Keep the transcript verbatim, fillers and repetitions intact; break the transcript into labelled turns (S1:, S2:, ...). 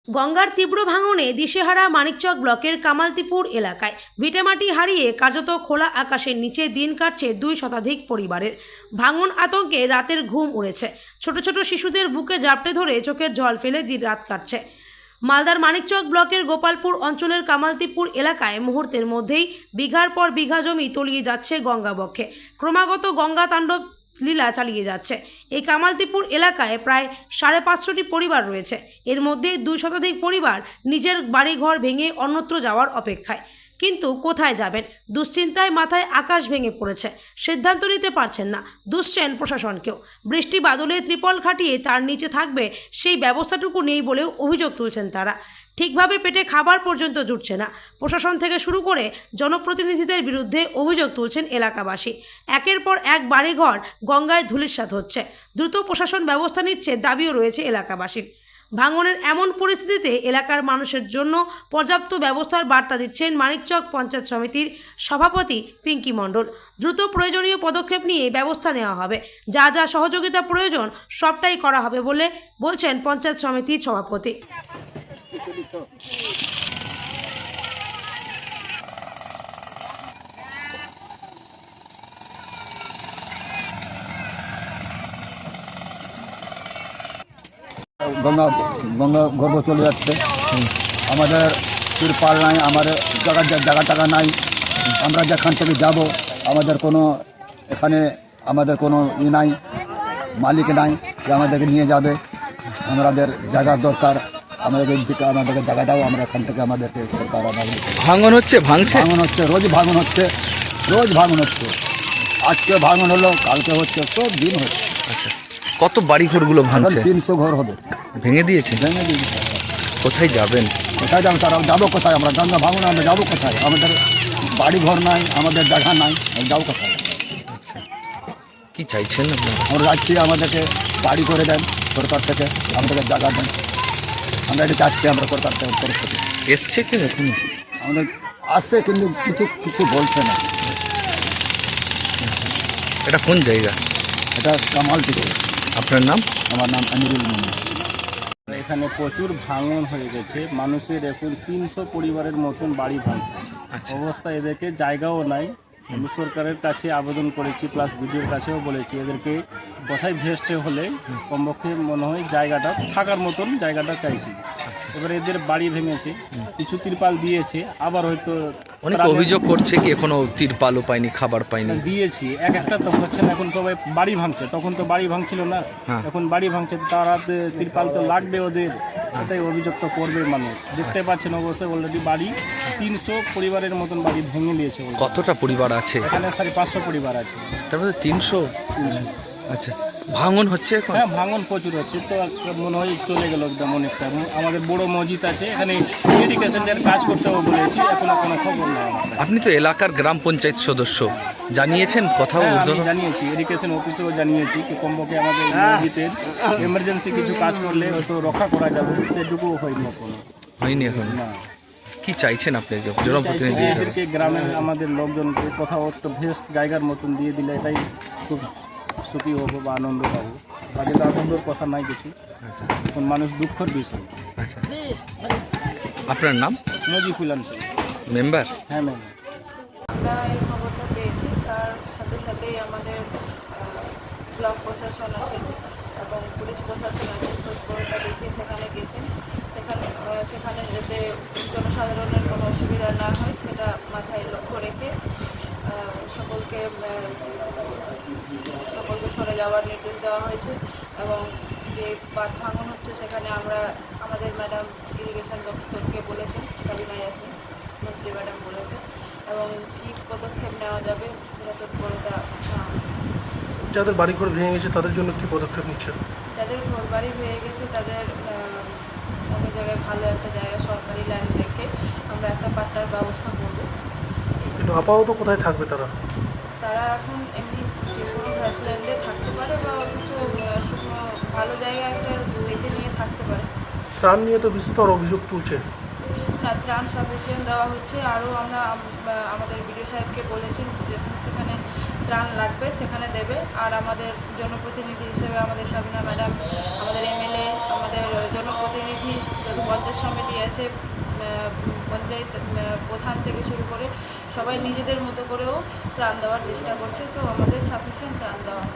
S1: গঙ্গার তীব্র ভাঙনে দিশেহারা মানিকচক ব্লকের কামালতিপুর এলাকায় ভিটেমাটি হারিয়ে কার্যত খোলা আকাশের নিচে দিন কাটছে দুই শতাধিক পরিবারের। ভাঙন আতঙ্কে রাতের ঘুম উড়েছে, ছোট ছোট শিশুদের বুকে জাপটে ধরে চোখের জল ফেলে দিন রাত কাটছে। মালদার মানিকচক ব্লকের গোপালপুর অঞ্চলের কামালতিপুর এলাকায় মুহূর্তের মধ্যেই বিঘার পর বিঘা জমি তলিয়ে যাচ্ছে গঙ্গা বক্ষে। ক্রমাগত গঙ্গা তাণ্ডব লীলা চালিয়ে যাচ্ছে। এই কামালতিপুর এলাকায় প্রায় সাড়ে পাঁচশোটি পরিবার রয়েছে। এর মধ্যে দুই শতাধিক পরিবার নিজের বাড়িঘর ভেঙে অন্যত্র যাওয়ার অপেক্ষায়। কিন্তু কোথায় যাবেন? দুশ্চিন্তায় মাথায় আকাশ ভেঙে পড়েছে, সিদ্ধান্ত নিতে পারছেন না, দুষছেন প্রশাসনকেও। বৃষ্টি বাদলে ত্রিপল খাটিয়ে তার নিচে থাকবে সেই ব্যবস্থাটুকু নেই বলেও অভিযোগ তুলছেন তারা। ঠিকভাবে পেটে খাবার পর্যন্ত জুটছে না। প্রশাসন থেকে শুরু করে জনপ্রতিনিধিদের বিরুদ্ধে অভিযোগ তুলছেন এলাকাবাসী। একের পর এক বাড়িঘর গঙ্গায় ধূলিসাৎ হচ্ছে। দ্রুত প্রশাসন ব্যবস্থা নিচ্ছে দাবিও রয়েছে এলাকাবাসীর। ভাঙনের এমন পরিস্থিতিতে এলাকার মানুষের জন্য পর্যাপ্ত ব্যবস্থার বার্তা দিচ্ছেন মানিকচক পঞ্চায়েত সমিতির সভাপতি পিঙ্কি মণ্ডল। দ্রুত প্রয়োজনীয় পদক্ষেপ নিয়ে ব্যবস্থা নেওয়া হবে, যা যা সহযোগিতা প্রয়োজন সবটাই করা হবে বলে বলছেন পঞ্চায়েত সমিতির সভাপতি।
S2: গঙ্গা গঙ্গা গর্ভ চলে যাচ্ছে। আমাদের তিরপাল নাই, আমাদের জায়গা জায়গা টাকা নাই। আমরা যেখান থেকে যাব আমাদের কোনো এখানে আমাদের কোনো ই নাই, মালিক নাই যে আমাদেরকে নিয়ে যাবে। আমাদের জায়গার দরকার, আমাদেরকে আমাদেরকে জায়গাটাও আমরা এখান থেকে আমাদেরকে সরকার আমাদের
S3: ভাঙন হচ্ছে ভাঙছে
S2: ভাঙন হচ্ছে রোজ ভাঙন হচ্ছে রোজ ভাঙন হচ্ছে আজকে ভাঙন হলো, কালকে হচ্ছে, সব দিন হচ্ছে।
S3: আচ্ছা, কত বাড়ি ঘরগুলো ভাঙছে?
S2: তিনশো ঘর হবে
S3: ভেঙে দিয়েছে।
S2: ভেঙে দিয়েছে।
S3: কোথায় যাবেন?
S2: কোথায় যাবো তারা? যাবো কোথায়? আমরা গঙ্গা ভাঙন আমরা যাবো কোথায়? আমাদের বাড়ি ঘর নাই, আমাদের জায়গা নাই, যাবো কোথায়?
S3: কি চাইছেন আপনারা?
S2: আমরা যাচ্ছি, আমাদেরকে বাড়ি করে দেন সরকার থেকে, আমাদেরকে জায়গা দেন। আমরা এটা চাচ্ছি আমরা সরকার থেকে তরফ থেকে।
S3: এসছে কি এখন?
S2: আমাদের আসছে কিন্তু কিছু কিছু বলছে না।
S3: এটা কোন জায়গা?
S2: এটা কামালতিপুর।
S3: আপনার নাম?
S2: আমার নাম আমিরুল মোহাম্মদ।
S4: এখানে প্রচুর ভাঙন হয়ে গেছে, মানুষের এখন তিনশো পরিবারের মতন বাড়ি ভাঙছে।
S3: আচ্ছা।
S4: অবস্থা এদেরকে জায়গাও নাই। আমি সরকারের কাছে আবেদন করেছি, প্লাস বিডিওর কাছেও বলেছি এদেরকে কোথায় ভেস্টে হলে কমপক্ষে মনে হয় জায়গাটা থাকার মতন জায়গাটা চাইছি। এবারে এদের বাড়ি ভেঙেছে, কিছু তিরপাল দিয়েছে, আবার হয়তো
S3: অনেক অভিযোগ করছে কি এখনো তিরপালও পাইনি, খাবার পাইনি।
S4: দিয়েছি, এক একটা তো হচ্ছে না। এখন সবাই বাড়ি ভাঙছে, তখন তো বাড়ি ভাঙছিল না,
S3: হ্যাঁ।
S4: এখন বাড়ি ভাঙছে, তারা তিরপাল তো লাগবে ওদের, এটাই অভিযোগ তো করবে মানুষ। দেখতে পাচ্ছেন অবশ্যই অলরেডি বাড়ি তিনশো পরিবারের মতন বাড়ি ভেঙে নিয়েছে।
S3: কতটা পরিবার আছে
S4: এখানে সাড়ে পাঁচশো পরিবার আছে।
S3: তারপরে তিনশো। আচ্ছা, ভাঙন হচ্ছে এখন?
S4: হ্যাঁ, ভাঙন প্রচুর হচ্ছে, তো মনে হয় চলে গেল একদম অনেকটা। আমাদের বড় মসজিদ আছে, এখানে এডুকেশনের কাজ করতেও বলেছি, এখনো কোনো খবর নেই।
S3: আপনি তো এলাকার গ্রাম পঞ্চায়েত সদস্য, জানিয়েছেন কোথাও?
S4: হ্যাঁ, আমি জানিয়েছি, এডুকেশন অফিসেও জানিয়েছি কি কমপক্ষে আমাদের মসজিদের এমার্জেন্সি কিছু কাজ করলে হয়তো রক্ষা করা যাবে, সেটুকু হয়নি এখনো।
S3: হয়নি এখন?
S4: না।
S3: কি চাইছেন আপনি জনপ্রতিনিধি হিসেবে?
S4: এদেরকে গ্রামের আমাদের লোকজনকে কোথাও একটা ভেস্ট জায়গার মতন দিয়ে দিলে এটাই খুব সুখী হবো বা আনন্দ পাবো। তাদের তো আনন্দের কথা নাই কিছু, এখন মানুষ দুঃখের বিষয়।
S3: আচ্ছা, আপনার নাম?
S4: নজিফুল আনসার,
S3: মেম্বার।
S4: হ্যাঁ ম্যাম।
S5: আমরা এই খবরটা পেয়েছি, তার সাথে সাথেই আমাদের ব্লক প্রশাসন আছেন এবং পুলিশ প্রশাসন আছেন, তৎপরতা দেখিয়ে সেখানে গেছেন। সেখানে সেখানে যাতে জনসাধারণের কোনো অসুবিধা না হয় সেটা মাথায় লক্ষ্য রেখে সকলকে সকলকে সরে যাওয়ার নির্দেশ দেওয়া হয়েছে। এবং যে বাঁধ ভাঙন হচ্ছে সেখানে আমরা আমাদের ম্যাডাম ইরিগেশন দপ্তরকে বলেছেন, সাবিনা ইয়াসমিন মন্ত্রী ম্যাডাম বলেছেন, এবং কী পদক্ষেপ নেওয়া যাবে সেটা তৎপরতা।
S6: যাদের বাড়িঘর ভেঙে গেছে তাদের জন্য কি পদক্ষেপ নিচ্ছেন?
S5: যাদের ঘর বাড়ি ভেঙে গেছে তাদের অন্য জায়গায় ভালো একটা জায়গা সরকারি ল্যান্ড রেখে আমরা একটা পাট্টার ব্যবস্থা করব।
S6: কিন্তু আপাতত কোথায় থাকবে তারা?
S5: তারা এখন এমনি যে কোনো গ্রাসল্যান্ডে থাকতে পারে বা কিছু শুকনো ভালো জায়গা একটা দেখে নিয়ে থাকতে পারে।
S6: ত্রাণ নিয়ে তো বিস্তর অভিযোগ তুলছে।
S5: না, ত্রাণ সাফিসিয়েন্ট দেওয়া হচ্ছে। আরও আমরা আমাদের বিডিও সাহেবকে বলেছি যেখানে সেখানে ত্রাণ লাগবে সেখানে দেবে। আর আমাদের জনপ্রতিনিধি হিসেবে আমাদের সাবিনা ম্যাডাম, আমাদের এমএলএ, আমাদের আমাদের জনপ্রতিনিধি যত পঞ্চায়েত সমিতি আছে, আহ, পঞ্চায়েত আহ, প্রধান থেকে শুরু করে সবাই নিজেদের মতো করেও ত্রাণ দেওয়ার চেষ্টা করছে, তো আমাদের সাফিসিয়েন্ট ত্রাণ দেওয়া হয়।